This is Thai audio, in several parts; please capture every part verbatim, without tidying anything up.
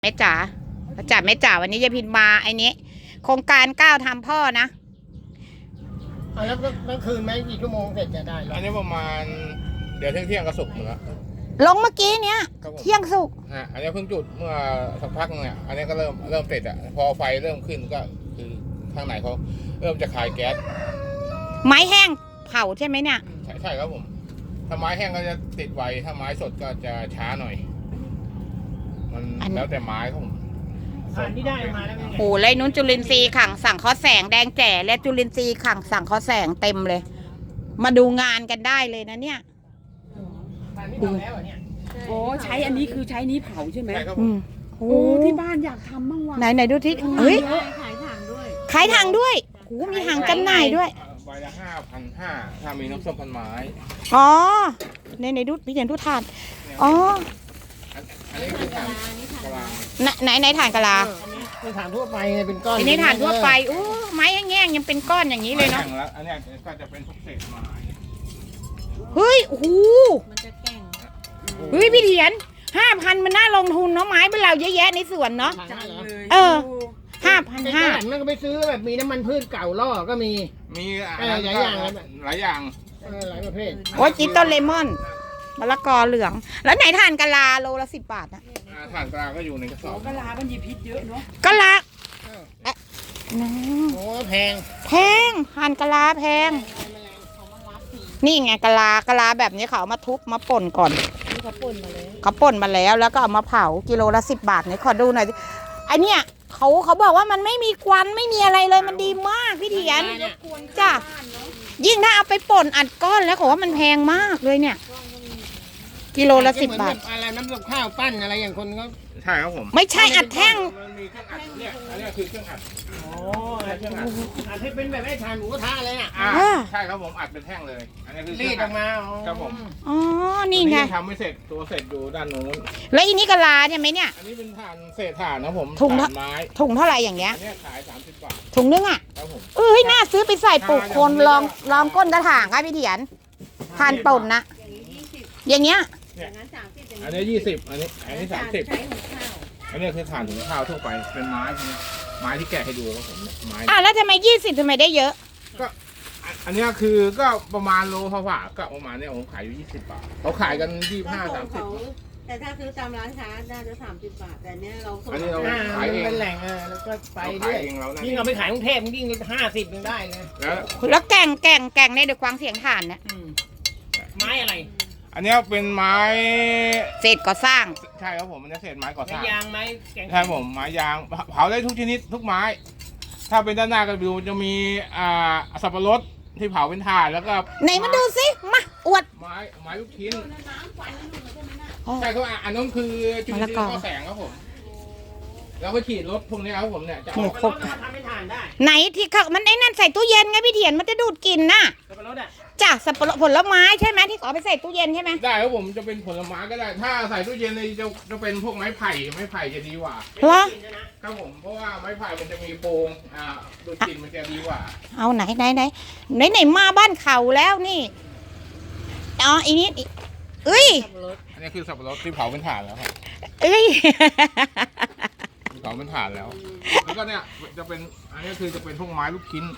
แม่จ๋าจ๋าแม่จ๋าวันนี้ยายพินมาไอ้นี้โครงการก้าวทำพ่อนะเอาแล้วเมื่อคืนไหมกี่ชั่วโมงเสร็จจะได้อันนี้ประมาณเดี๋ยวเที่ยงเที่ยงก็สุกหมดแล้วลงเมื่อกี้เนี้ยเที่ยงสุกฮะอันนี้เพิ่งจุดเมื่อสักพักนึงเนี่ยอันนี้ก็เริ่มเริ่มติดอ่ะพอไฟเริ่มขึ้นก็คือข้างในเขาเริ่มจะคายแก๊สไม้แห้งเผาใช่ไหมเนี่ยใช่ใช่ครับผมถ้าไม้แห้งก็จะติดไวถ้าไม้สดก็จะช้าหน่อยมันแล้วแต่ไม้ครับผมสารที่ได้มาแล้วโอ้ไรนุ้นจุลินทรีย์ขังสั่งข้อแสงแดงแจ๋และจุลินทรีย์ขังสั่งข้อแสงเต็มเลยมาดูงานกันได้เลยนะเนี่ยโอ้ใช้อันนี้คือใช้นี้เผาใช่ไหมใช่ครับโอ้ที่บ้านอยากทำบ้างว่ะไหนไหนดูที่เฮ้ยขายถังด้วยขายถังด้วยโอ้มีถังจำหน่ายด้วยใบละห้าพันห้าถ้ามีน้ำส้มพันไม้อ๋อในในดูพี่เห็นดูทานอ๋ออันนี้คือถ่านกะลาไหนไหนถ่านกะลาในถ่านทั่วไปเป็นก้อนในถ่านทั่วไปโอ้ไม้แง่งยังเป็นก้อนอย่างนี้เลยเนาะอันนี้ก็จะเป็นพวกเศษไม้เฮ้ยโอ้โหมันจะแก่งเฮ้ยพี่เถียนห้าพันมันน่าลงทุนเนาะไม้เป็นเราเยอะแยะในสวนเนาะเออห้าพันห้ามันก็ไปซื้อแบบมีน้ำมันพืชเก่าล่อก็มีมีหลายอย่างหลายอย่างหลายประเภทโอ้ยจิตต้นเลมอนมะละกอเหลืองแล้วไหนถ่านกะลาโลละสิบบาทนะถ่านกะลาก็อยู่ในกระสอบกะลามันมีพิษเยอะเนาะกะลาโอ้แพงแพงถ่านกะลาแพงนี่ไงกะลากะลาแบบนี้เขาเอามาทุบมาป่นก่อนเขาป่นมาแล้วเขาป่นมาแล้วแล้วก็เอามาเผากิโลละสิบบาทเนี่ยขอดูหน่อยไอเนี้ยเขาเขาบอกว่ามันไม่มีควันไม่มีอะไรเลยมันดีมากพี่เถียนจ้ะยิ่งถ้าเอาไปป่นอัดก้อนแล้วเขาว่ามันแพงมากเลยเนี่ยกิโลละสิบบาทอะไรน้ำกับข้าวปั้นอะไรอย่างคนก็ใช่ครับผมไม่ใช่อัดแท่งมันมีเครื่องอัดเนี่ยอันนี้คือเครื่องอัดโอ้เครื่องอัดอัดให้เป็นแบบไอ้ถ่านหมูกระทะเลยอ่ะใช่ครับผมอัดเป็นแท่งเลยอันนี้คือรีดออกมาครับผมอ๋อนี่ไงทำไม่เสร็จตัวเสร็จอยู่ด้านนู้นแล้วอีนี้กะลาเนี่ยไหมเนี่ยอันนี้เป็นถ่านเศษถ่านนะผมถุงไม้ถุงเท่าไหร่อย่างเงี้ยอันนี้ขายสามสิบบาทถุงนึงอ่ะครับผมเอ้ยน่าซื้อไปใส่ปลูกคนลองลองก้นกระถางค่ะพี่เถียนทานป่นนะอย่างเงี้ยอันนี้ยี่สิบอันนี้อันนี้สามสิบอันนี้คือถ่านถุงข้าวทั่วไปเป็นไม้ไม้ที่แกะให้ดูครับผมไม้อ่ะแล้วทำไมยี่สิบทำไมได้เยอะก็อันนี้คือก็ประมาณโลพอฝ่าก็ประมาณนี้ผมขายอยู่ยี่สิบบาทเขาขายกันยี่สิบห้าสามสิบแต่ถ้าซื้อตามร้านค้าน่าจะสามสิบบาทแต่เนี้ยเราส่งอันนี้เราขายเองเป็นแหล่งเออแล้วก็ไปเรื่อยยิ่งเราไปขายกรุงเทพยิ่งห้าสิบยังได้เลยแล้วแล้วแก่งแก่งแก่งในเดือดควางเสียงถ่านเนี่ยไม้อะไรอันนี้เป็นไม้เศษก่อสร้างใช่ครับผมมันจะเศษไม้ก่อสร้างยางไม้ใช่ผมไม้ยางเผาได้ทุกชนิดทุกไม้ถ้าเป็นด้านหน้าก็ดูจะมีอ่าสับปะรดที่เผาเป็นถ่านแล้วก็ไหนมาดูสิมาอวดไม้ไม้ลูกชิ้นใช่ครับอันนั้นคือจุดที่ข้อแสงครับผมแล้วก็ขีดรถพวกนี้ครับผมเนี่ยจะเอาไปทำเป็นถ่านได้ไหนที่เขามันไอ้นั่นใส่ตู้เย็นไงพี่เถียนมันจะดูดกลิ่นน่ะสับปะรดอ่ะจ้ะสับปะรดผลไม้ใช่ไหมที่เขาไปใส่ตู้เย็นใช่ไหมได้ครับผมจะเป็นผลไม้ก็ได้ถ้าใส่ตู้เย็นเลยจะจะเป็นพวกไม้ไผ่ไม้ไผ่จะดีกว่าเหรอครับผมเพราะว่าไม้ไผ่มันจะมีโพรงอ่าดูดกลิ่นมันจะดีกว่าเอาไหนไหนไหนไหนไหนมาบ้านเขาแล้วนี่อ๋ออีนี้เอ้ยอันนี้คือสับปะรดที่เผาเป็นถ่านแล้วครับเอ้ยเผาเป็นถ่านแล้วแล้วก็เนี่ยจะเป็นอันนี้คือจะเป็นพวกไม้ลูกชิ้น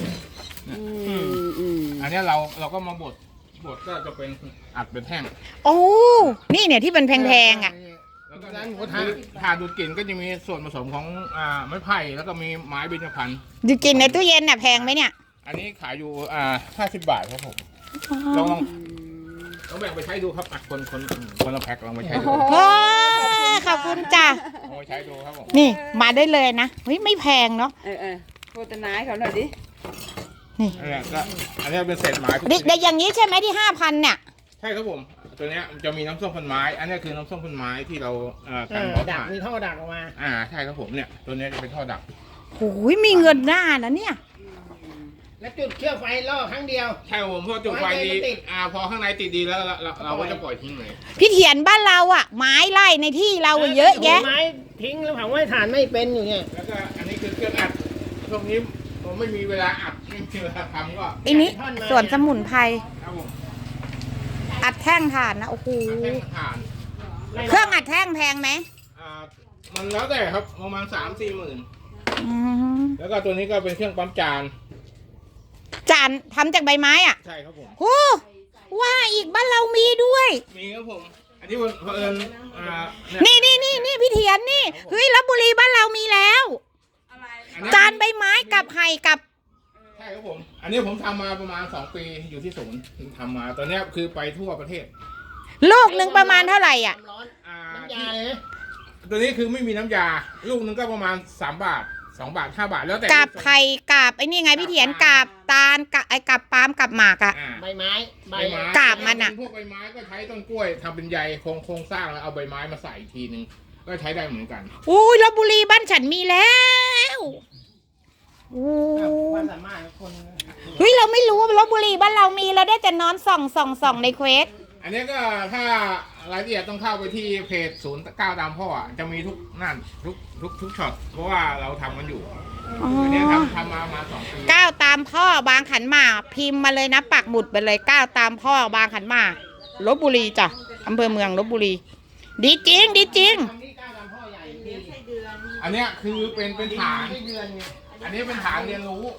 อันนี้เราเราก็มาบดบดก็จะเป็นอัดเป็นแท่งโอ้นี่เนี่ยที่เป็นแพงๆอ่ะแล้วก็ถ่านดูดกลิ่นก็จะมีส่วนผสมของอ่าไม้ไผ่แล้วก็มีไม้เบญจพรรณดูดกลิ่นในตู้เย็นน่ะแพงไหมเนี่ยอันนี้ขายอยู่อ่าห้าสิบบาทครับผมลองลองลองแบ่งไปใช้ดูครับอ่ะคนคนคนละแพ็คลองไปใช้ดูขอบคุณจ้ะลองไปใช้ดูครับผมนี่มาได้เลยนะเฮ้ยไม่แพงเนาะเออเออโฆษณาให้เขาหน่อยดินี่อันนี้ก็อันนี้เป็นเศษไม้แต่อย่างนี้ใช่ไหมที่ห้าพันเนี่ยใช่ครับผมตัวนี้มันจะมีน้ำส้มพันไม้อันนี้คือน้ำส้มพันไม้ที่เราเอ่อกันหัวดักมีท่อดักออกมาอ่าใช่ครับผมเนี่ยตัวนี้จะเป็นท่อดักโอ้ยมีเงินหน้านะเนี่ยแล้วจุดเชือกไฟล่อครั้งเดียวใช่ผมพอจุดไฟดีอ่าพอข้างในติดดีแล้วเราเราก็จะปล่อยทิ้งเลยพี่เถียนบ้านเราอ่ะไม้ไล่ในที่เราเยอะแยะไม้ทิ้งแล้วถามว่าถ่านไม่เป็นอยู่เนี่ยแล้วก็อันนี้คือเครื่องอัดตรงนี้ผมไม่มีเวลาอัดไม่มีเวลาทำก็อันนี้ส่วนสมุนไพรอัดแท่งถ่านนะโอ้โหเครื่องอัดแท่งแพงไหมมันแล้วแต่ครับประมาณสามสี่หมื่นอืมแล้วก็ตัวนี้ก็เป็นเครื่องปั๊มจานจานทำจากใบไม้อ่ะใช่ครับผมโอ้ว่าอีกบ้านเรามีด้วยมีครับผม อันนี้เผอิญอ่าเนี่ยนี่นี่นี่นี่พี่เทียนนี่เฮ้ยลพบุรีบ้านเรามีแล้วอันนี้จานใบไม้กับไห่กับใช่ครับผม อันนี้ผมทำมาประมาณสองปีอยู่ที่ศูนย์ทำมาตอนเนี้ยคือไปทั่วประเทศลูกหนึ่งประมาณเท่าไหร่อ่ะน้ำร้อนอ่าน้ำยาเลยนะตัวนี้คือไม่มีน้ำยา ลูกนึงก็ประมาณสามบาทสองบาทห้าบาทแล้วแต่กับไข่กับไอ้นี่ไงพี่เทียนกับตาลกับไอ้กับปาล์มกับหมากอ่ะอ่าใบไม้ใบใบไม้กาบมันอะพวกใบไม้ก็ใช้ต้นกล้วยทำเป็นใยโครงโครงสร้างแล้วเอาใบไม้มาใส่อีกทีนึงก็ใช้ได้เหมือนกันอุ้ยลพบุรีบ้านฉันมีแล้วอู้ความสามารถของคนเฮ้ยเราไม่รู้ว่าลพบุรีบ้านเรามีเราได้แต่นอนส่องส่องส่องในเควสอันนี้ก็ถ้ารายละเอียดต้องเข้าไปที่เพจศูนย์เก้าตามพ่ออะจะมีทุกนั่นทุกทุกทุกช็อตเพราะว่าเราทำกันอยู่อ๋ออันนี้ทำทำมาประมาณสองปีก้าวตามพ่อบางขันหมากพิมพ์มาเลยนะปักหมุดไปเลยก้าวตามพ่อบางขันหมากลพบุรีจ้ะอำเภอเมืองลพบุรี ดีจริงดีจริงทำที่ก้าวตามพ่อใหญ่เลี้พี่ยงไส้เดือนอันเนี้ยคือเป็นเป็นฐานไม่เดือนไงอันนี้เป็นฐานเรียนรู้